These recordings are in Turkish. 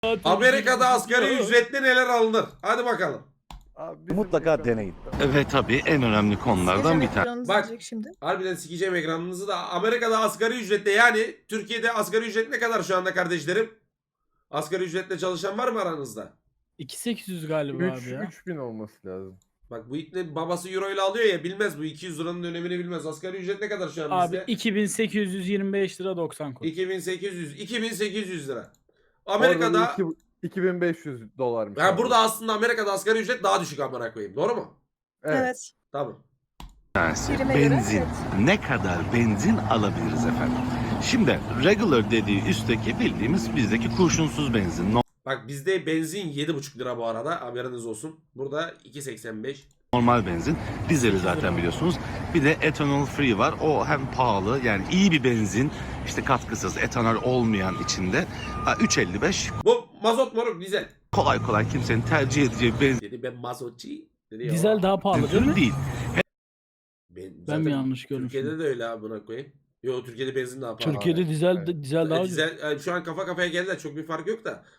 Amerika'da asgari ücretle neler alınır? Hadi bakalım. Abi Mutlaka deneyin. Ve tabii en önemli konulardan bir tanesi. Bak. Bak. Şimdi. Harbiden sikeceğim ekranınızı da. Amerika'da asgari ücretle, yani Türkiye'de asgari ücret ne kadar şu anda kardeşlerim? Asgari ücretle çalışan var mı aranızda? 2800 galiba abi ya. 3000 olması lazım. Bak bu ipne babası euro ile alıyor ya, bilmez bu 200 liranın önemini bilmez. Asgari ücret ne kadar şu an Abi bizde? 2825 lira 90 kuruş. 2800 lira. Amerika'da 2500 dolarmış. yani abi. burada aslında Amerika'da asgari ücret daha düşük amına koyayım. Doğru mu? Evet. Tamam. tanesi Birime göre, benzin. evet. Ne kadar benzin alabiliriz efendim? Şimdi regular dediği üstteki bildiğimiz bizdeki kurşunsuz benzin. Bak bizde benzin 7,5 lira bu arada, haberiniz olsun. Burada 2,85. Normal benzin. Dizeli zaten biliyorsunuz. Bir de ethanol free var. O hem pahalı, yani iyi bir benzin. İşte katkısız, etanol olmayan içinde. 3.55. Bu mazot moruk dizel. Kolay kolay kimsenin tercih edeceği benzin Dedi ben mazotçu. Dedi ya. Dizel daha pahalı değil mi? değil. Ben Ben mi yanlış görmüşüm? Türkiye'de de öyle abi, buna koyayım. Yo, Türkiye'de benzin daha pahalı. Türkiye'de abi. dizel daha ucuz. Dizel, şu an kafa kafaya geldiler, çok bir fark yok da.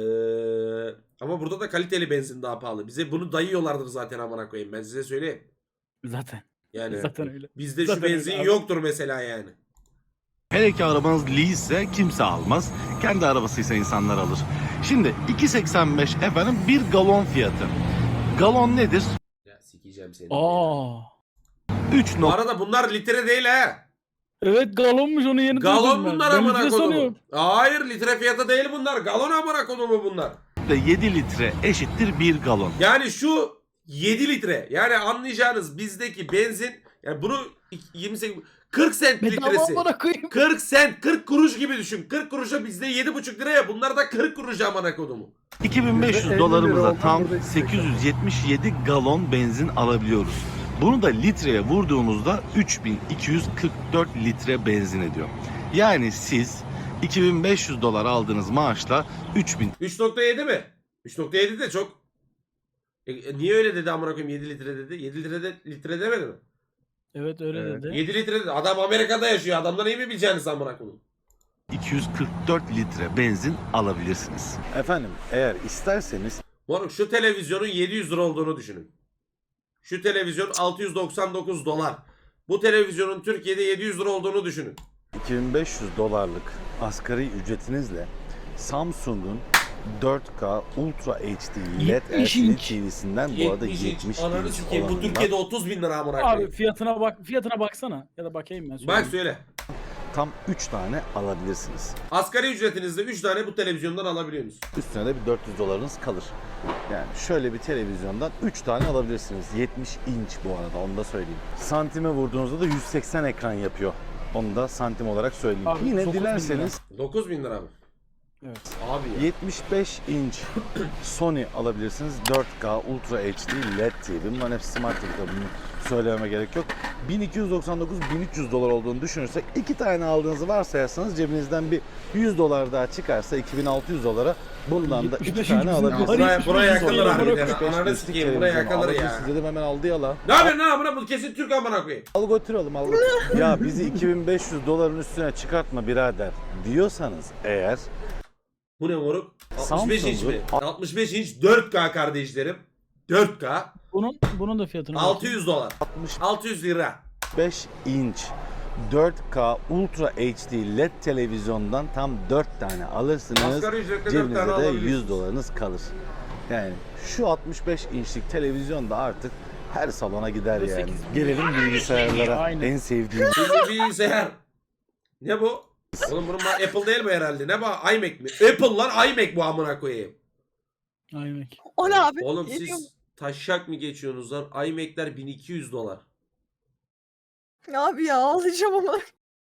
Ama burada da kaliteli benzin daha pahalı. Bize bunu dayıyorlardır zaten amına koyayım, ben size söyleyeyim. Zaten. Yani Zaten öyle. bizde Zaten şu benzin öyle abi. yoktur mesela yani. Hele ki arabanız lease kimse almaz. Kendi arabasıysa insanlar alır. Şimdi 2.85 efendim bir galon fiyatı. Galon nedir? Ya sikeceğim seni. Aa. 3 Bu arada bunlar litre değil ha. Evet galonmuş, onu yeni Galon duydum ben. bunlar Ben amına litre kodumu. sanıyorum. Hayır, litre fiyatı değil bunlar. Galon amına kodumu bunlar. 7 litre eşittir 1 galon. Yani şu 7 litre. Yani anlayacağınız bizdeki benzin, yani bunu 28 40 sent Bedava litresi. amına koyayım. 40 sent, 40 kuruş gibi düşün. 40 kuruşa bizde 7,5 liraya. Bunlar da 40 kuruş amına kodumu. 2500 50 dolarımıza lira tam oldu, 877 galon benzin alabiliyoruz. Bunu da litreye vurduğumuzda 3244 litre benzin ediyor. Yani siz 2500 dolar aldığınız maaşla 3000 3,7 mi? 3,7 de çok. Niye öyle dedi amına koyayım, 7 litre dedi. 7 litre demedi mi? Evet öyle Evet. dedi. 7 litre dedi. Adam Amerika'da yaşıyor. Adamdan iyi mi bileceğiniz amına koyayım? 244 litre benzin alabilirsiniz. Efendim eğer isterseniz Moruk, şu televizyonun 700 lira olduğunu düşünün. Şu televizyon 699 dolar. Bu televizyonun Türkiye'de 700 lira olduğunu düşünün. 2500 dolarlık asgari ücretinizle Samsung'un 4K Ultra HD LED 70 LCD inç. TV'sinden bu arada 70 Ananı inç sikeyim. Bu olanından Türkiye'de 30 bin lira amına Abi koyayım. fiyatına baksana. Ya da bakayım ben. Bak söyle. tam 3 tane alabilirsiniz. Asgari ücretinizde 3 tane bu televizyondan alabiliyorsunuz. Üstüne de bir 400 dolarınız kalır. Yani şöyle bir televizyondan 3 tane alabilirsiniz. 70 inç bu arada, onu da söyleyeyim. Santime vurduğunuzda da 180 ekran yapıyor. Onu da santim olarak söyleyeyim. Abi, Yine 9 bin dilerseniz 9 bin lira mı? Evet. Abi ya. 75 inç Sony alabilirsiniz. 4K Ultra HD LED TV. Bunların hepsi Smart TV, bunu söylememe gerek yok. 1299-1300 dolar olduğunu düşünürsek 2 tane aldığınızı varsayarsanız cebinizden bir 100 dolar daha çıkarsa 2600 dolara bundan da 2 75 tane bizim alabilirsiniz. Buraya yakılır dolar. abi. 75 Ananı inçlik sikeyim, buraya televizyon yakılır ya. alabilirsiniz dedim, hemen aldı ya la. Ne yapıyorsun lan amına, bu kesin Türk amına koyayım. Al götürelim, al götürelim. Ya bizi 2500 doların üstüne çıkartma birader diyorsanız eğer Bu ne moruk? 65 inç mi? Samsung'un- 65 inç 4K kardeşlerim. 4K. Bunun da fiyatını 600 dolar. 600 lira. 65 inç 4K Ultra HD LED televizyondan tam 4 tane alırsınız. Asgari ücretle 4 Cebinizde tane de alabiliyorsunuz. 100 dolarınız kalır. Yani şu 65 inçlik televizyon da artık her salona gider Ve yani. 8 Gelelim bilgisayarlara. Aynen. En sevdiğim. Şimdi bilgisayar. Ne bu? Oğlum bunun Apple değil bu herhalde. Ne bu? iMac mi? Apple lan, iMac bu amına koyayım. Aynen. O ne abi? Oğlum Geliyor siz taşak mı geçiyorsunuz lan? iMac'ler 1200 dolar. mu? Abi ya ağlayacağım ama.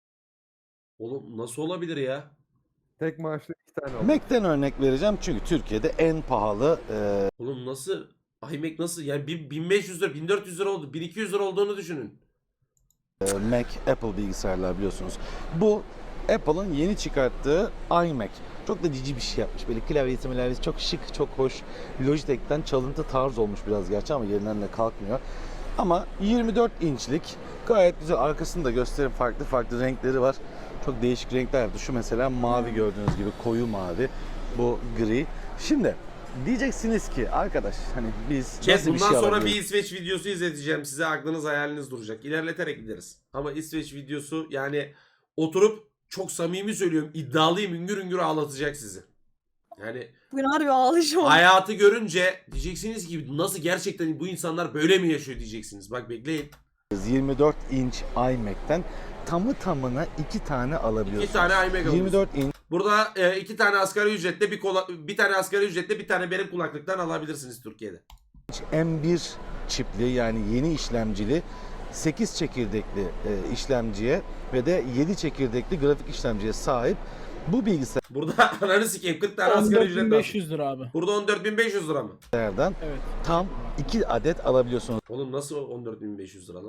Oğlum nasıl olabilir ya? Tek maaşlı 2 tane oldu. Mac'ten örnek vereceğim çünkü Türkiye'de en pahalı Oğlum nasıl? iMac nasıl? Yani 1500 lira, 1400 lira oldu. 1200 lira olduğunu düşünün. Mac, Apple bilgisayarlar biliyorsunuz. Bu Apple'ın yeni çıkarttığı iMac. Çok da cici bir şey yapmış. Böyle klavyesi milavyesi çok şık, çok hoş. Logitech'ten çalıntı tarz olmuş biraz gerçi ama yerinden de kalkmıyor. Ama 24 inçlik gayet güzel. Arkasını da göstereyim. Farklı farklı renkleri var. Çok değişik renkler yaptı. Şu mesela mavi, gördüğünüz gibi koyu mavi. Bu gri. Şimdi diyeceksiniz ki arkadaş hani biz Chat, nasıl bir bundan şey sonra alabiliriz? bir İsveç videosu izleteceğim size, aklınız hayaliniz duracak. İlerleterek gideriz. Ama İsveç videosu yani oturup çok samimi söylüyorum, iddialıyım, üngür üngür ağlatacak sizi. Yani Bugün harbi ağlayacağım. hayatı görünce diyeceksiniz ki nasıl, gerçekten bu insanlar böyle mi yaşıyor diyeceksiniz. Bak bekleyin. 24 inç iMac'ten tamı tamına 2 tane alabiliyorsunuz. 2 tane iMac alıyoruz. 24 inç Burada 2 tane asgari ücretle bir tane asgari ücretle bir tane benim kulaklıktan alabilirsiniz Türkiye'de. M1 çipli yani yeni işlemcili 8 çekirdekli işlemciye ve de 7 çekirdekli grafik işlemciye sahip bu Burada ananı sikeyim 40 tane asgari ücret lazım. 14.500 lira abi. Burada 14.500 lira mı? bilgisayardan Evet. tam 2 adet alabiliyorsunuz. Oğlum nasıl 14.500 lira lan?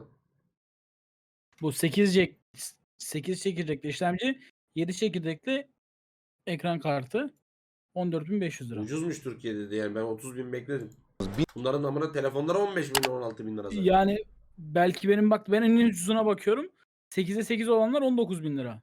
Bu 8 çekirdekli işlemci, 7 çekirdekli ekran kartı 14.500 lira. Ucuzmuş Türkiye'de de yani, ben 30.000 bekledim. Bunların amına telefonlara 15.000 16.000 lira zaten. Yani belki ben en ucuzuna bakıyorum. 8'e 8 olanlar 19.000 lira.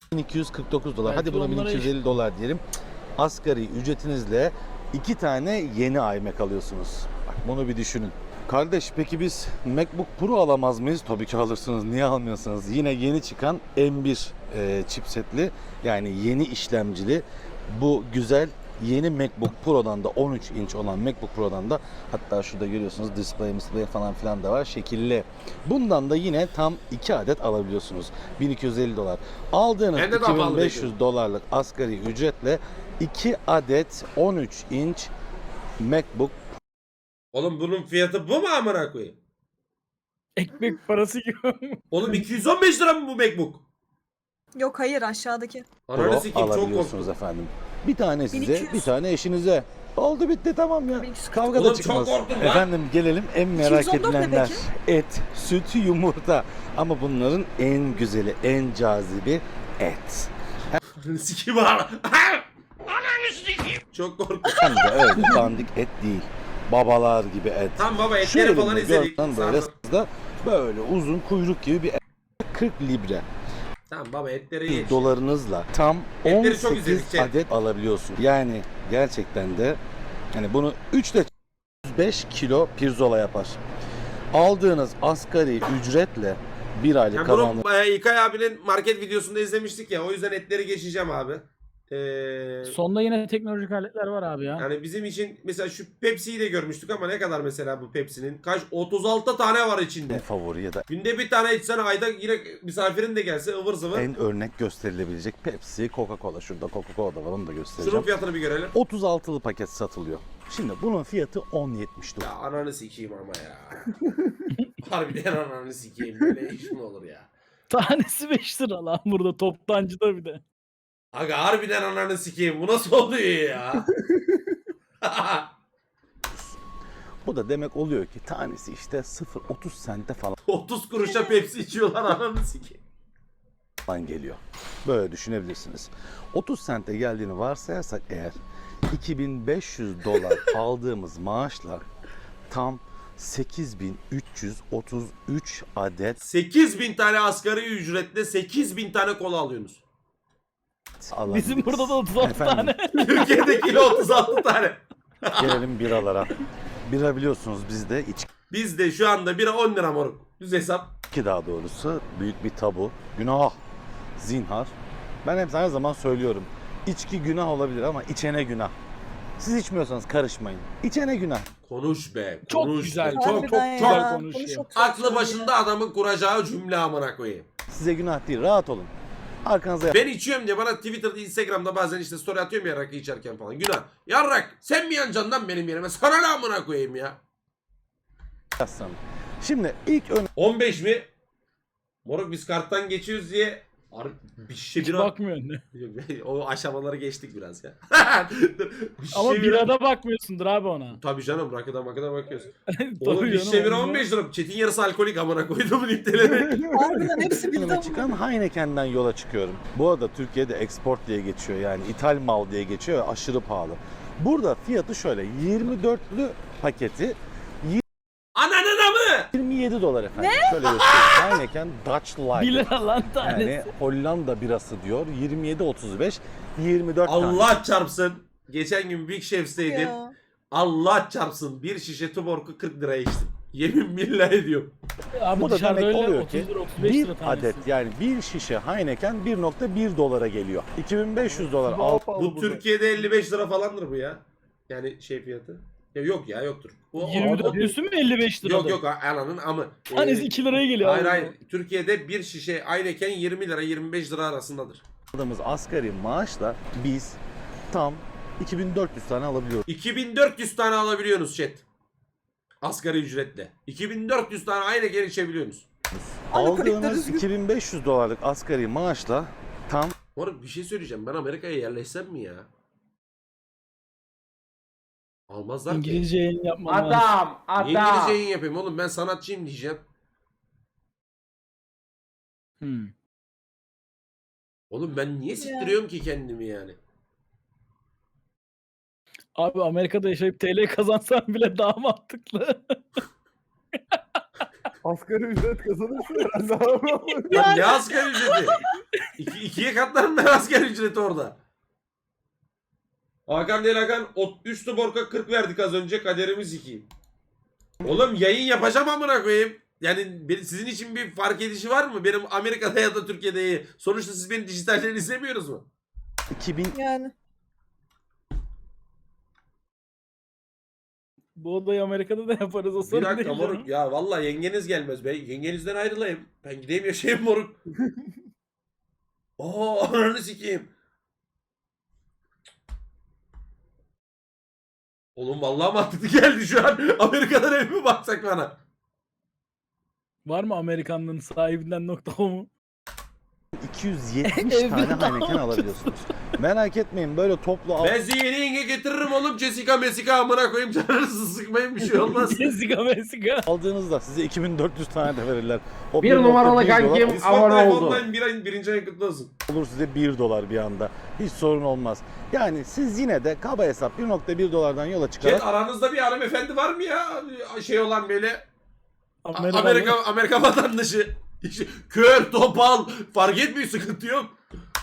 1249 dolar. Belki Hadi buna onlara 1250 dolar diyelim. Asgari ücretinizle 2 tane yeni iMac alıyorsunuz. Bak bunu bir düşünün. Kardeş peki biz MacBook Pro alamaz mıyız? Tabii ki alırsınız. Niye almıyorsunuz? Yine yeni çıkan M1 chipsetli yani yeni işlemcili bu güzel yeni MacBook Pro'dan da 13 inç olan MacBook Pro'dan da hatta şurada görüyorsunuz display falan filan da var şekilli. Bundan da yine tam 2 adet alabiliyorsunuz. 1250 dolar. Aldığınız Ben de daha pahalı 2500 dolarlık asgari ücretle 2 adet 13 inç MacBook Oğlum bunun fiyatı bu mu amına koyayım? Ekmek parası gibi. Oğlum 215 lira mı bu MacBook? Yok hayır aşağıdaki. Ananı Pro sikeyim, çok alabiliyorsunuz korktum. efendim. Bir tane size, 1200. bir tane eşinize. Oldu bitti tamam ya. 1200. Kavga Oğlum da çok çıkmaz. korktum lan. Efendim gelelim en merak 214 ne edilenler. peki? Et, süt, yumurta. Ama bunların en güzeli, en cazibi et. Ananı sikeyim ha. Ananı sikeyim. Çok korktum. Hem de öyle dandik et değil. Babalar gibi et. Tamam baba, Şu etleri falan elimde izledik. görünen böyle Sarma. sızda böyle uzun kuyruk gibi bir et. 40 libre. Tamam baba, etleri ye. Dolarınızla tam Etleri çok 18 izledik, şey. adet alabiliyorsun. Yani gerçekten de hani bunu 3 ile 105 kilo pirzola yapar. Aldığınız asgari ücretle bir aylık Yani kazandığınız bunu İlkay abinin market videosunda izlemiştik ya, o yüzden etleri geçeceğim abi. Sonda yine teknolojik aletler var abi ya. Yani bizim için mesela şu Pepsi'yi de görmüştük ama ne kadar mesela bu Pepsi'nin? Kaç? 36 tane var içinde. favori ya da Günde bir tane içsen ayda yine misafirin de gelse ıvır zıvır. en örnek gösterilebilecek Pepsi, Coca-Cola. Şurada Coca-Cola da var, onu da Şunun göstereceğim. fiyatını bir görelim. 36'lı paket satılıyor. Şimdi bunun fiyatı 10.79. Ya ananı sikeyim ama ya. Harbiden ananı sikeyim. Böyle iş mi olur ya? Tanesi 5 lira lan burada toptancıda bir de. Aga harbiden ananı sikeyim. Bu nasıl oluyor ya? Bu da demek oluyor ki tanesi işte 0.30 sente 30 kuruşa Pepsi içiyorlar, ananı sikeyim. falan geliyor. Böyle düşünebilirsiniz. 30 sente geldiğini varsayarsak eğer 2500 dolar aldığımız maaşla tam 8333 adet 8000 tane asgari ücretle 8000 tane kola alıyorsunuz. alabiliriz. Bizim burada da 36 Efendim, tane. Türkiye'deki 36 tane. Gelelim biralara. Bira biliyorsunuz bizde Bizde şu anda bira 10 lira moruk. Düz hesap. içki daha doğrusu büyük bir tabu. Günah, zinhar. Ben hep her zaman söylüyorum. İçki günah olabilir ama içene günah. Siz içmiyorsanız karışmayın. İçene günah. Konuş be. Çok Konuş güzel, be. çok Harbiden çok ya. güzel Bunu konuşuyor. çok güzel Aklı başında adamın kuracağı cümle amına koyayım. Size günah değil, rahat olun. Arkanıza Ben içiyorum diye bana Twitter'da, Instagram'da bazen işte story atıyorum ya rakı içerken falan. Günah. Yarrak sen mi yanacaksın lan benim yerime? Sana ne amına koyayım ya? yaslanın. Şimdi ilk 15 mi? Moruk biz karttan geçiyoruz diye bir şişe Hiç bira... bakmıyorsun. O aşamaları geçtik biraz ya. Bir şişe Ama bira- birada bakmıyorsundur abi ona. Tabii canım, rakıdan bakıyoruz. Tabii Oğlum bir canım, şişe bira onu 15 lira. Çetin yarısı alkolik amına koydum nipteleri. Harbiden hepsi bildi önüme ama. çıkan Heineken'den yola çıkıyorum. Bu arada Türkiye'de export diye geçiyor yani ithal mal diye geçiyor ve aşırı pahalı. Burada fiyatı şöyle 24'lü paketi Ananın amı! 27 dolar efendim. Şöyle göstereyim. Heineken Dutch 1 Light. lira lan tanesi. Yani Hollanda birası diyor. 27.35 24 tane. Allah çarpsın. geçen gün Big Chef'teydim. Ya. Allah çarpsın bir şişe Tuborg'u 40 liraya içtim. Yemin billah ediyorum. Abi Bu da dışarıda demek öyle oluyor 30 ki lira 35 bir lira tanesi. adet yani bir şişe Heineken 1.1 dolara geliyor. 2500 dolar Daha al. pahalı Bu burada. Türkiye'de 55 lira falandır bu ya. Yani şey fiyatı. Ya yok ya yoktur. Bu 24 üstü mü 55 lira? Yok yok ananın amı. Tanesi 2 liraya geliyor. Hayır abi. hayır. Türkiye'de bir şişe Heineken 20 lira 25 lira arasındadır. Aldığımız asgari maaşla biz tam 2400 tane alabiliyoruz. 2400 tane alabiliyorsunuz chat. Asgari ücretle. 2400 tane Heineken içebiliyorsunuz. Hani klikler Aldığımız düzgün. 2500 dolarlık asgari maaşla tam Moruk bir şey söyleyeceğim. Ben Amerika'ya yerleşsem mi ya? Almazlar ki. İngilizce yayın yapmam lazım. Niye İngilizce yayın yapayım oğlum? Ben sanatçıyım diyeceğim. Hmm. Oğlum ben niye siktiriyorum ki kendimi yani? Abi Amerika'da yaşayıp TL kazansan bile daha mantıklı. Asgari ücret kazanırsın herhalde abi. Lan ne asgari ücreti? İkiye katlarım ben asgari ücreti orada. Hakan değil Hakan. 3 Tuborg'a 40 verdik az önce. Kaderimiz 2. Oğlum yayın yapacağım amına koyayım. Yani sizin için bir fark edişi var mı? Benim Amerika'da ya da Türkiye'de. Sonuçta siz beni dijitalden izlemiyoruz mu? 2000 Yani. Bu odayı Amerika'da da yaparız o Bir sorun dakika değil moruk. canım. Ya vallahi yengeniz gelmez. Ben yengenizden ayrılayım. Ben gideyim yaşayayım moruk. Oo ananı sikeyim. Oğlum vallahi mantıklı geldi şu an. Amerika'dan ev mi baksak bana? Var mı Amerikanlığın sahibinden.com'u? 270 Evde tane daha Heineken alabiliyorsunuz. Merak etmeyin böyle toplu al. Ben sizi yeni yenge getiririm oğlum. Jessica Messica amına koyayım. Canınızı sıkmayın bir şey olmaz. Jessica Messica. Aldığınızda size 2400 tane de verirler. O Bir 1.1 numaralı dolar kankim Discord abone Live oldu. Online birinci ayın kutlu olsun. olur size 1 dolar bir anda. Hiç sorun olmaz. Yani siz yine de kaba hesap 1.1 dolardan yola çıkarak Chat aranızda bir hanımefendi var mı ya? Şey olan böyle Amerika. Amerika vatandaşı. İşte kör, topal fark etmiyor sıkıntı yok.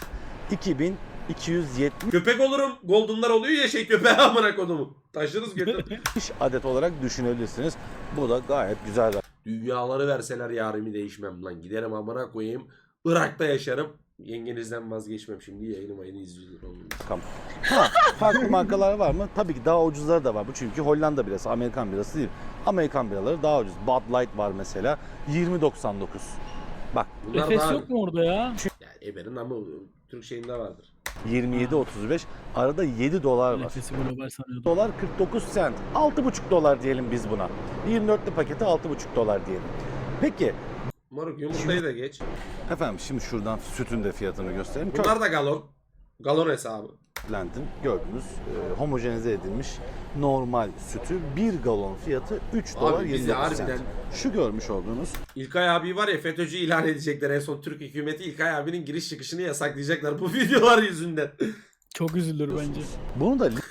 2270 Köpek olurum. Golden'lar oluyor ya şey köpeğe amına kodumu. Taşırız götür. adet olarak düşünebilirsiniz. Bu da gayet güzel. Dünyaları verseler yarimi değişmem lan. Giderim amına koyayım. Irak'ta yaşarım. Yengenizden vazgeçmem şimdi yayını izliyor. Ha, farklı markalar var mı? Tabii ki daha ucuzları da var. Bu çünkü Hollanda birası, Amerikan birası değil. Amerikan biraları daha ucuz. Bud Light var mesela. 20.99. Bak Bunlar Efes daha... yok mu orada ya? Yani Eber'in ama Türk şeyinde vardır. 27.35. Arada 7 dolar var. Efes'i global sanıyordum. Dolar 49 cent. 6,5 dolar diyelim biz buna. 24'lü paketi 6,5 dolar diyelim. Peki Moruk yumurtayı da geç. efendim şimdi şuradan sütün de fiyatını göstereyim. Bunlar da galon. Galon hesabı. Köklentin gördüğünüz homojenize edilmiş normal sütü 1 galon fiyatı 3 dolar Abi bizi 29 harbiden cent. Şu görmüş olduğunuz İlkay abi var ya FETÖ'cü ilan edecekler en son Türk hükümeti İlkay abinin giriş çıkışını yasaklayacaklar bu videolar yüzünden. Çok üzülür bence. bunu da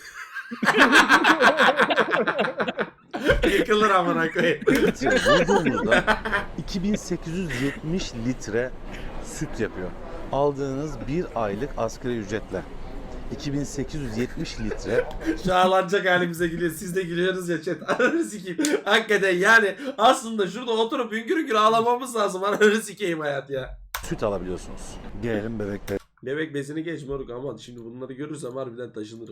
Yıkılır amına koyayım. vurduğumuzda 2870 litre süt yapıyor. Aldığınız bir aylık asgari ücretle 2870 litre Şu ağlanacak halimize gülüyor. Siz de gülüyorsunuz ya chat. Ananı sikeyim. Hakikaten yani aslında şurada oturup hüngür hüngür ağlamamız lazım. Ananı sikeyim hayat ya. süt alabiliyorsunuz. Gelelim bebeklere. Bebek bezini geç moruk ama şimdi bunları görürsem harbiden taşınırım.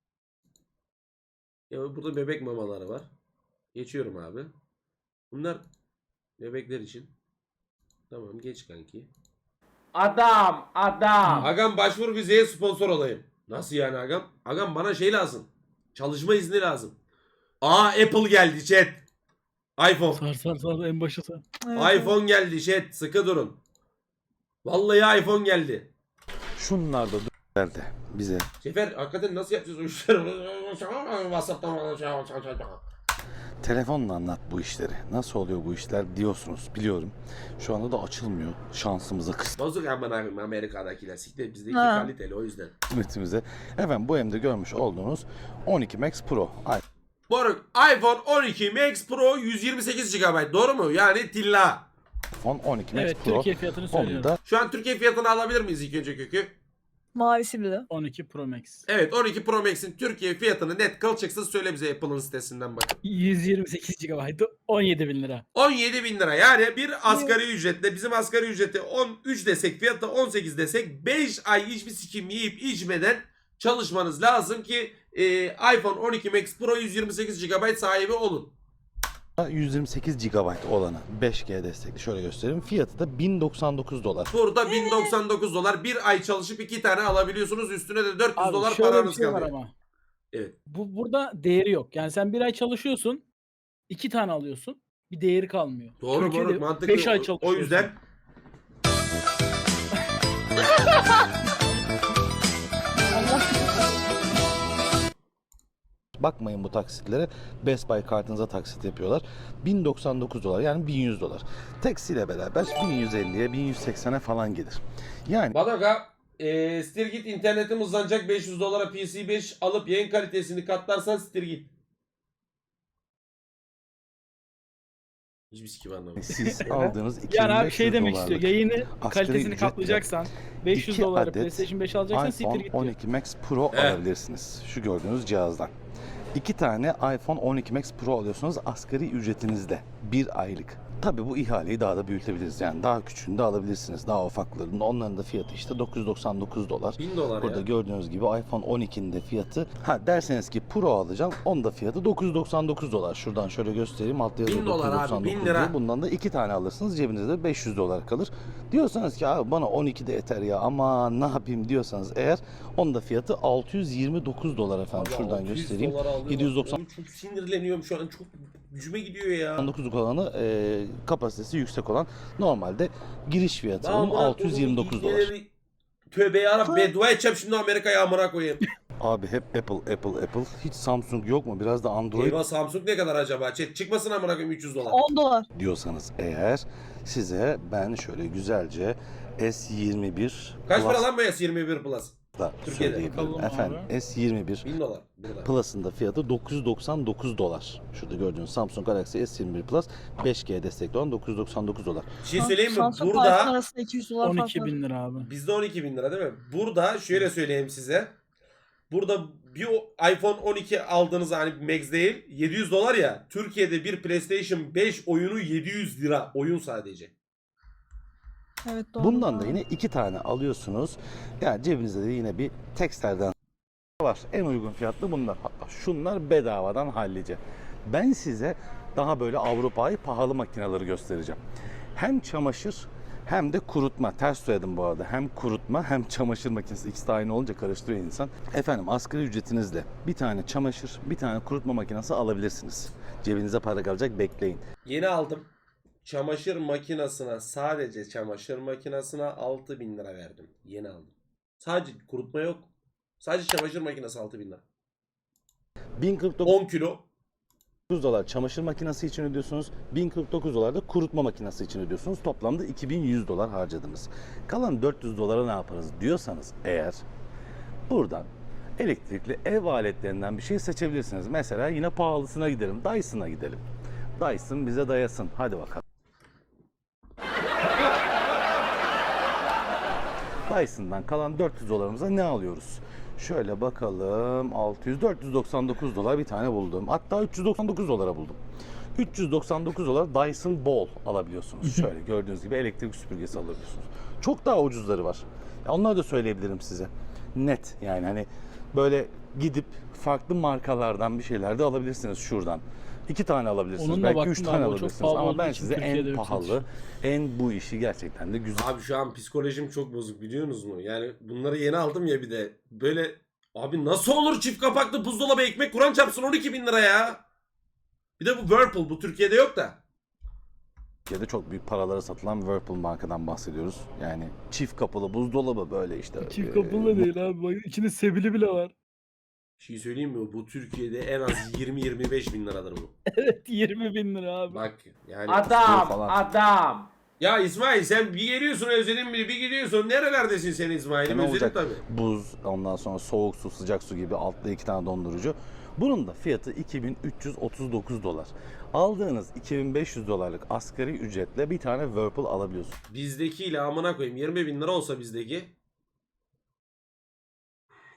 Ya burada bebek mamaları var. Geçiyorum abi. Bunlar bebekler için. Tamam geç kanki. Adam. Agam başvur vizeye sponsor olayım. Nasıl yani agam? Agam bana şey lazım. Çalışma izni lazım. Aa Apple geldi chat. iPhone. Sar en başa sar. Evet. iPhone geldi chat. Sıkı durun. Vallahi iPhone geldi. Şunlar da geldi bize. Sefer hakikaten nasıl yapacağız o işleri? WhatsApp'tan Telefonla anlat bu işleri. Nasıl oluyor bu işler diyorsunuz biliyorum. Şu anda da açılmıyor. Şansımıza Bozuk aman Amerika'dakiler. Siktir bizdeki Ha. kaliteli o yüzden. kısmetimize. Efendim bu elimde görmüş olduğunuz 12 Max Pro. Moruk iPhone 12 Max Pro 128 GB doğru mu? Yani tilla. iPhone 12 Max Evet Pro. Türkiye fiyatını Onu söylüyorum. da Şu an Türkiye fiyatını alabilir miyiz ilk önce kökü? Mavisi bir de. 12 Pro Max. Evet 12 Pro Max'in Türkiye fiyatını net kılçıksız söyle bize Apple'ın sitesinden bakın. 128 GB 17 bin lira. 17 bin lira yani bir asgari ücretle bizim asgari ücreti 13 desek fiyatta 18 desek 5 ay hiçbir sikim yiyip içmeden çalışmanız lazım ki iPhone 12 Max Pro 128 GB sahibi olun. 128 GB olanı 5G destekli şöyle göstereyim. Fiyatı da 1099 dolar. Burada 1099 dolar bir ay çalışıp 2 tane alabiliyorsunuz üstüne de 400 Abi dolar şöyle bir paranız şey var kalıyor. ama. Evet. Burada değeri yok. Yani sen bir ay çalışıyorsun. 2 tane alıyorsun. Bir değeri kalmıyor. Doğru Türkiye'de moruk mantıklı. 5 ay O çalışıyorsun. yüzden Bakmayın bu taksitlere. Best Buy kartınıza taksit yapıyorlar. 1099 dolar yani 1100 dolar. Taksiyle beraber 1150'ye 1180'e falan gelir. Yani Badaka Stirgit internetim hızlanacak 500 dolara PC5 alıp yayın kalitesini katlarsan Stirgit. Hiçbir sikim anlamadım. siz aldığınız 2500 Yani abi şey demek istiyor. dolarlık Yayını asgari kalitesini ücretle katlayacaksan 500 2 dolara adet PlayStation 5 alacaksan siktir iPhone git diyor. 12 Max Pro Evet. alabilirsiniz. Şu gördüğünüz cihazdan. 2 tane iPhone 12 Max Pro alıyorsunuz asgari ücretinizle. 1 aylık. Tabii bu ihaleyi daha da büyütebiliriz. Yani daha küçüğünü de alabilirsiniz. Daha ufaklarının. Onların da fiyatı işte 999 dolar. 1000 dolar Burada ya. gördüğünüz gibi iPhone 12'nin de fiyatı. Derseniz ki Pro alacağım. Onun da fiyatı 999 dolar. Şuradan şöyle göstereyim. Altta yazıyor 1000 dolar abi, 999 1000 lira. diye. Bundan da 2 tane alırsınız. Cebinizde de 500 dolar kalır. Diyorsanız ki abi bana 12 de yeter ya ama ne yapayım diyorsanız eğer onun da fiyatı 629 dolar efendim. Abi Şuradan 600 göstereyim. dolar aldım. 790 Oğlum çok sinirleniyorum şu an. Çok gücüme gidiyor ya. 99 olanı kapasitesi yüksek olan normalde giriş fiyatı Ben onun amına 629 koyduğum dolar. ibneleri- Tövbe yarabbim beddua edeceğim şimdi Amerika'ya amına koyayım. Abi hep Apple. Hiç Samsung yok mu? Biraz da Android Eyvah Samsung ne kadar acaba? Çıkmasın amına koyayım 300 dolar. 10 dolar. diyorsanız eğer size ben şöyle güzelce S21 Kaç para lan bu S21 Plus? da Türkiye'de? söyleyebilirim. Bakalım Efendim abi. S21 1000 dolar. Burada. Plus'ın da fiyatı 999 dolar. Şurada gördüğünüz Samsung Galaxy S21 Plus 5G destekli olan 999 dolar. Bir şey söyleyeyim mi? Samsung iPhone Burada arasında 200 dolar fark 12 var. bin lira abi. bizde 12 bin lira değil mi? Burada şöyle söyleyeyim size. Burada bir iPhone 12 aldığınız hani Max değil 700 dolar ya. Türkiye'de bir PlayStation 5 oyunu 700 lira. Oyun sadece. Evet doğru. Bundan da doğru. yine 2 tane alıyorsunuz. Yani cebinizde de yine bir Texter'den var. En uygun fiyatlı bunlar. Hatta şunlar bedavadan hallice. Ben size daha böyle Avrupa'yı pahalı makineleri göstereceğim. Hem çamaşır hem de kurutma. Ters söyledim bu arada. Hem kurutma hem çamaşır makinesi. İkisi de aynı olunca karıştırıyor insan. Efendim asgari ücretinizle bir tane çamaşır, bir tane kurutma makinesi alabilirsiniz. Cebinize para kalacak bekleyin. Yeni aldım. Çamaşır makinesine sadece çamaşır makinesine 6000 lira verdim. Yeni aldım. Sadece kurutma yok. Sadece çamaşır makinesi 6000 lira. 1049 10 kilo. dolar çamaşır makinesi için ödüyorsunuz. 1049 dolar da kurutma makinesi için ödüyorsunuz. Toplamda 2100 dolar harcadınız. Kalan 400 dolara ne yaparız diyorsanız eğer buradan elektrikli ev aletlerinden bir şey seçebilirsiniz. Mesela yine pahalısına gidelim. Dyson'a gidelim. Dyson bize dayasın. Hadi bakalım. Dyson'dan kalan 400 dolarımıza ne alıyoruz? Şöyle bakalım 499 dolar bir tane buldum. Hatta 399 dolara buldum. 399 dolar Dyson Ball alabiliyorsunuz. Şöyle gördüğünüz gibi elektrik süpürgesi alabiliyorsunuz. Çok daha ucuzları var. Ya onları da söyleyebilirim size. Net yani hani böyle gidip farklı markalardan bir şeyler de alabilirsiniz şuradan. 2 tane alabilirsiniz. Onunla Belki baktım 3 abi, tane o çok alabilirsiniz. pahalı Ama olduğu ben için size Türkiye'de en yok pahalı, satış. en bu işi gerçekten de güzel. Abi şu an psikolojim çok bozuk biliyorsunuz mu? Yani bunları yeni aldım ya bir de. Böyle abi nasıl olur çift kapaklı buzdolabı ekmek kuran çarpsın 12 bin lira ya. Bir de bu Whirlpool bu Türkiye'de yok da. Türkiye'de çok büyük paralara satılan Whirlpool markadan bahsediyoruz. Yani çift kapılı buzdolabı böyle işte. Çift kapılı değil abi. Bak içinde sebili bile var. Bir şey söyleyeyim mi? Bu Türkiye'de en az 20-25 bin liradır bu. Evet 20 bin lira abi. Bak yani. Adam, falan. adam. Ya İsmail sen bir geliyorsun özledin biri bir gidiyorsun. Nerelerdesin sen İsmail'im Ne özledim olacak? tabii. Buz, ondan sonra soğuk su, sıcak su gibi altta 2 tane dondurucu. Bunun da fiyatı 2339 dolar. Aldığınız 2500 dolarlık asgari ücretle bir tane Whirlpool alabiliyorsunuz. Bizdekiyle amına koyayım 20 bin lira olsa bizdeki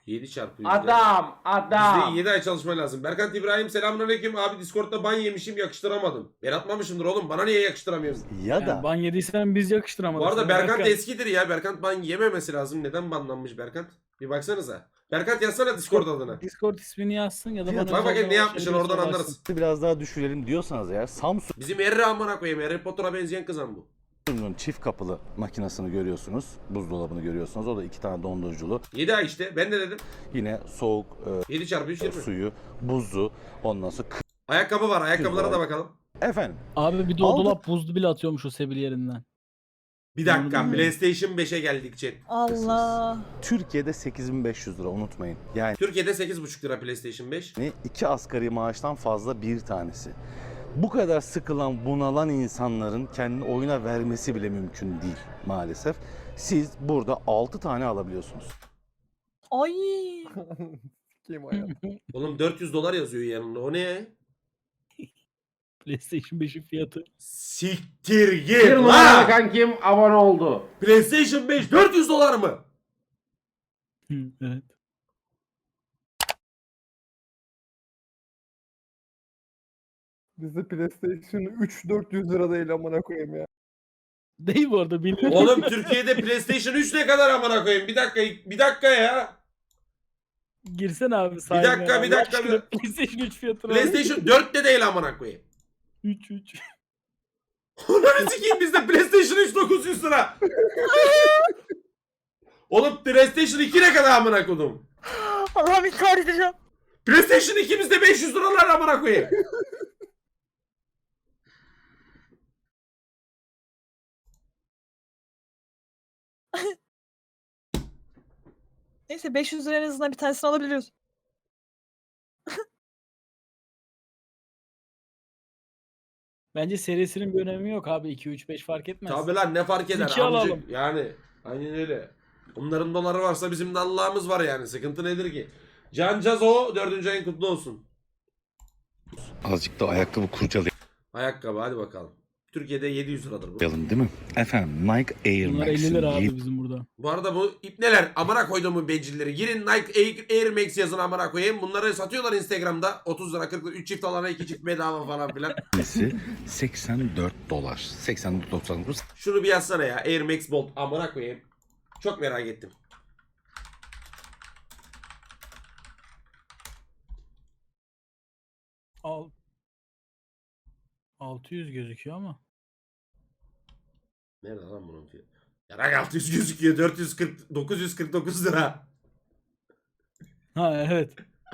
7 çarpı yüzde. Adam. Bizde 7 ay çalışma lazım. Berkant İbrahim selamünaleyküm. Abi Discord'da ban yemişim yakıştıramadım. Ben atmamışımdır oğlum. Bana niye yakıştıramıyorsun? Ya Yani da ban yediysen biz yakıştıramadık. Bu arada sana Berkant Berkant. eskidir ya. Berkant ban yememesi lazım. Neden banlanmış Berkant? Bir baksanıza. Berkant yazsana Discord adına. Discord ismini yazsın ya da Fiyat- bana Bak bakayım özelden ne yapmışsın ulaşabilirse oradan ulaşsın. anlarız. biraz daha düşürelim diyorsanız eğer Bizim Harry amına koyayım. Harry Potter'a benzeyen kızan bu. Samsung'un çift kapılı makinesini görüyorsunuz. Buzdolabını görüyorsunuz. O da 2 tane donduruculu. 7 ay işte. Ben de dedim. Yine soğuk 7 çarpı 3 20. suyu, buzu, ondan sonra Ayakkabı var. Ayakkabılara da bakalım. efendim. Abi bir de o Aldık. dolap buzlu bile atıyormuş o sebil yerinden. Bir dakika. Hmm. PlayStation 5'e geldik chat. Allah. Türkiye'de 8.500 lira unutmayın. Yani Türkiye'de 8,5 lira PlayStation 5. 2 asgari maaştan fazla bir tanesi. Bu kadar sıkılan, bunalan insanların kendini oyuna vermesi bile mümkün değil maalesef. Siz burada 6 tane alabiliyorsunuz. Ay. Kim ayağı? Oğlum 400 dolar yazıyor yanında. O ne? PlayStation 5'in fiyatı. Siktir Bir git numaralı lan! kankim abone oldu. PlayStation 5 400 dolar mı? Evet. Bizde PlayStation 3 400 lira değil amına koyayım ya. Değil bu arada bilmiyorum. Oğlum Türkiye'de PlayStation 3 ne kadar amına koyayım? Bir dakika ya. Girsene abi Bir dakika, bir dakika. PlayStation 3 fiyatını PlayStation 4 de değil amına koyayım. 3. Ulan sikeyim bizde PlayStation 3 900 lira. Oğlum PlayStation 2 ne kadar amına koydum? Allah'ım intihar edeceğim. PlayStation 2 bizde 500 liralar amına koyayım. Neyse 500 lira en azından bir tanesini alabiliyoruz. Bence serisinin bir önemi yok abi. 2, 3, 5 fark etmez. Tabi lan ne fark eder İki amcık alalım. yani. Aynen öyle. Onların doları varsa bizim de Allah'ımız var yani. Sıkıntı nedir ki? Can Cazo 4. ayın kutlu olsun. Azıcık da ayakkabı kurcalayalım Ayakkabı hadi bakalım. Türkiye'de 700 liradır bu. değil mi? Efendim Nike Air Bunlar 50 lira Max'in abi bizim burada. Bu arada bu ipneler amına koyduğumun bencilleri. Girin Nike Air Max yazın amına koyayım. Bunları satıyorlar Instagram'da. 30 lira 40 lira 3 çift alana 2 çift bedava falan filan. yenisi 84 dolar. 84.99. Şunu bir yazsana ya. Air Max Bolt amına koyayım. Çok merak ettim. Al. 600 gözüküyor ama. Nerede lan bunun fiyatı? Yarak 600 gözüküyor. 949 lira. Ha evet.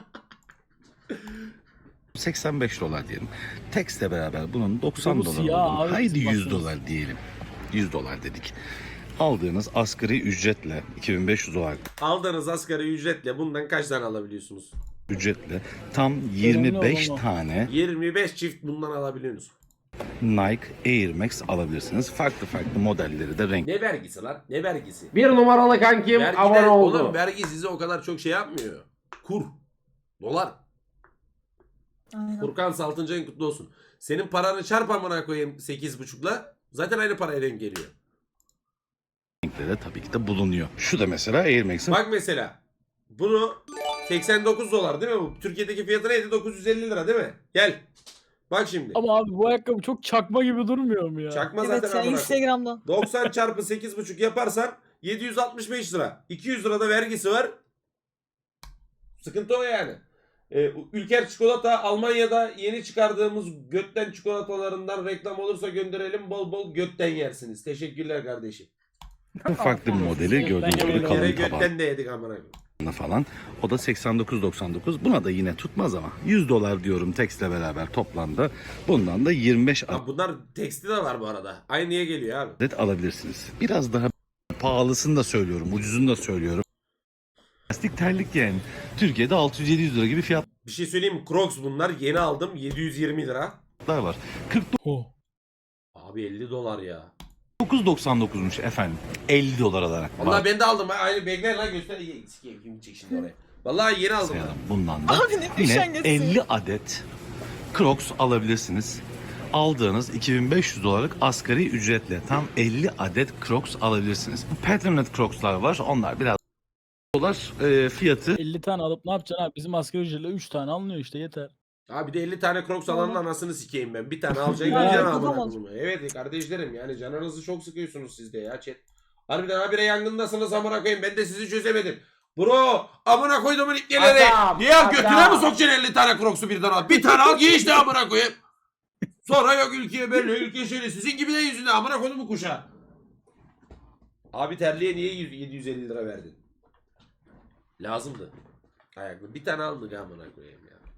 85 dolar diyelim. Text'le beraber bunun 90 Bu dolar siyah olduğunu, abi, haydi bizim 100 baktığımız. dolar diyelim. 100 dolar dedik. Aldığınız asgari ücretle 2500 dolar Aldığınız asgari ücretle bundan kaç tane alabiliyorsunuz? ücretle tam 25 olan o. tane 25 çift bundan alabiliyorsunuz. Nike Air Max alabilirsiniz. Farklı farklı modelleri de renk. Ne vergisi lan? Ne vergisi? Bir numaralı kankim Vergiden, abone oldu. oğlum vergi size o kadar çok şey yapmıyor. Kur. Dolar. Aynen. Furkan Saltıncı ayın kutlu olsun. Senin paranı çarp amına koyayım 8,5'la. Zaten aynı paraya denk geliyor. Renkleri de tabii ki de bulunuyor. Şu da mesela Air Max'in Bak mesela. Bunu 89 dolar değil mi bu? Türkiye'deki fiyatı neydi? 950 lira değil mi? Gel. Bak şimdi. Ama abi bu ayakkabı çok çakma gibi durmuyor mu ya? Çakma Evet zaten ya amına koyayım. Instagram'dan. 90 çarpı 8,5 yaparsan 765 lira. 200 lira da vergisi var. Sıkıntı o yani. Ülker çikolata Almanya'da yeni çıkardığımız götten çikolatalarından reklam olursa gönderelim, bol bol götten yersiniz. Teşekkürler kardeşim. farklı bir modeli gördüğünüz gibi Yere kalın götten tabanlı de yedik amına koyayım. falan. O da 89.99. Buna da yine tutmaz ama 100 dolar diyorum Text'le beraber toplamda. Bundan da 25 Ha, bunlar teksti de var bu arada. Aynıya geliyor abi. adet alabilirsiniz. Biraz daha pahalısını da söylüyorum, ucuzunu da söylüyorum. Plastik terlik yani. Türkiye'de 600-700 lira gibi fiyatlar Bir şey söyleyeyim mi? Crocs bunlar. Yeni aldım. 720 lira. var. Oh. Abi 50 dolar ya. 49.99'muş efendim. 50 dolar alarak. Vallahi ben de aldım. Aynı bekler lan göster. Sikeyim kim çek şimdi oraya. Vallahi yeni aldım. Sayalım. Bundan da Abi ne yine üşengeçsin. 50 adet Crocs alabilirsiniz. Aldığınız 2500 dolarlık asgari ücretle tam 50 adet Crocs alabilirsiniz. Patterned Crocs'lar var. Onlar biraz dolar fiyatı. 50 tane alıp ne yapacaksın abi? Bizim asgari ücretle 3 tane alınıyor işte yeter. Abi de 50 tane Crocs alanın anasını sikeyim ben. Bir tane alacaksın Ya, gideceksin kafam amına olsun. koyayım. Evet kardeşlerim yani canınızı çok sıkıyorsunuz siz de ya chat. Harbiden habire yangındasınız amına koyayım. Ben de sizi çözemedim. Bro amına koyduğumun ipneleri. Adam, Niye adam. götüne mi sokacaksın 50 tane Crocs'u birden al? Bir tane al giy işte amına koyayım. Sonra yok ülkeye böyle ülke şöyle. Sizin gibi de yüzünden amına koyduğumun kuşağı. Abi terliğe niye 750 lira verdin? Lazımdı. Ayaklı. Bir tane aldık amına koyayım ya.